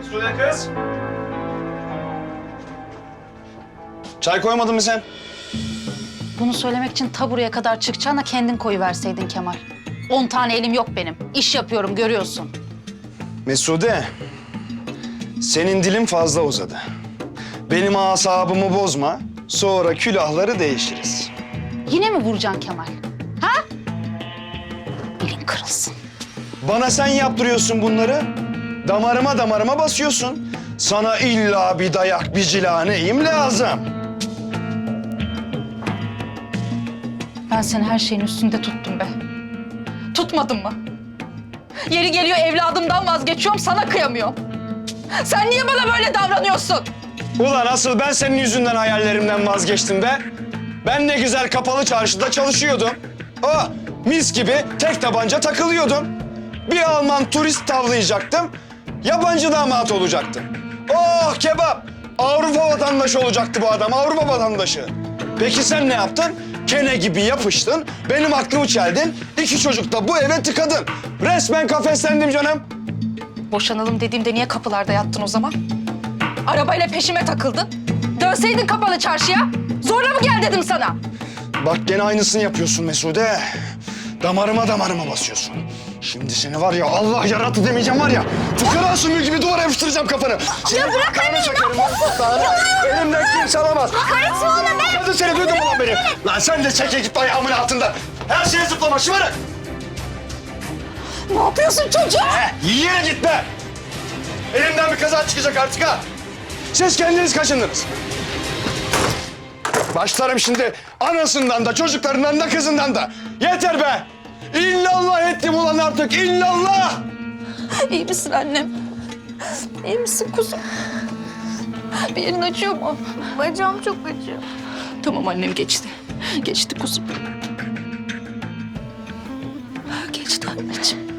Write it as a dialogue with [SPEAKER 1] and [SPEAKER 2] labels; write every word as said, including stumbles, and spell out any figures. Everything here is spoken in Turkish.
[SPEAKER 1] Suya kız. Çay koymadın mı sen?
[SPEAKER 2] Bunu söylemek için ta buraya kadar çıkacağına kendin koyuverseydin Kemal. On tane elim yok benim. İş yapıyorum, görüyorsun.
[SPEAKER 1] Mesude, senin dilin fazla uzadı. Benim asabımı bozma, sonra külahları değişiriz.
[SPEAKER 2] Yine mi vuracaksın Kemal? Ha? Elin kırılsın.
[SPEAKER 1] Bana sen yaptırıyorsun bunları. Damarıma damarıma basıyorsun. Sana illa bir dayak, bir cila neyim lazım?
[SPEAKER 2] Ben seni her şeyin üstünde tuttum be. Tutmadın mı? Yeri geliyor evladımdan vazgeçiyorum, sana kıyamıyorum. Sen niye bana böyle davranıyorsun?
[SPEAKER 1] Ulan asıl ben senin yüzünden hayallerimden vazgeçtim be. Ben ne güzel kapalı çarşıda çalışıyordum. Oh, mis gibi tek tabanca takılıyordum. Bir Alman turist tavlayacaktım. Yabancı damat olacaktım. Oh kebap! Avrupa vatandaşı olacaktı bu adam, Avrupa vatandaşı. Peki sen ne yaptın? Kene gibi yapıştın, benim aklımı çeldin, iki çocuk da bu eve tıkadın. Resmen kafeslendim canım.
[SPEAKER 2] Boşanalım dediğimde niye kapılarda yattın o zaman? Arabayla peşime takıldın. Dönseydin kapalı çarşıya. Zorla mı gel dedim sana?
[SPEAKER 1] Bak gene aynısını yapıyorsun Mesude. Damarıma damarıma basıyorsun. Şimdi seni var ya Allah yarattı demeyeceğim var ya. Fıkara sümüğü gibi duvara yapıştıracağım kafanı. Seni
[SPEAKER 3] Ya bırak
[SPEAKER 1] gırtlağına
[SPEAKER 3] anne, ne
[SPEAKER 1] sokarım,
[SPEAKER 3] yapıyorsun?
[SPEAKER 1] gırtlağına. Elimden kimse alamaz.
[SPEAKER 3] Kaçma ona be!
[SPEAKER 1] Hadi seni duydun mu lan beni? Lan sen de çeke git ayağımın altından. Her şeye zıplama şımarık.
[SPEAKER 2] Ne yapıyorsun çocuğa?
[SPEAKER 1] Heh, yiye git be. Elimden bir kaza çıkacak artık ha. Siz kendiniz kaşındınız. Başlarım şimdi anasından da çocuklarından da kızından da. Yeter be. İllallah ettim ulan artık illallah.
[SPEAKER 2] İyi misin annem? İyi misin kuzum? Bir yerin acıyor mu?
[SPEAKER 3] Bacağım çok acıyor.
[SPEAKER 2] Tamam annem geçti. Geçti kuzum. Geçti anneciğim.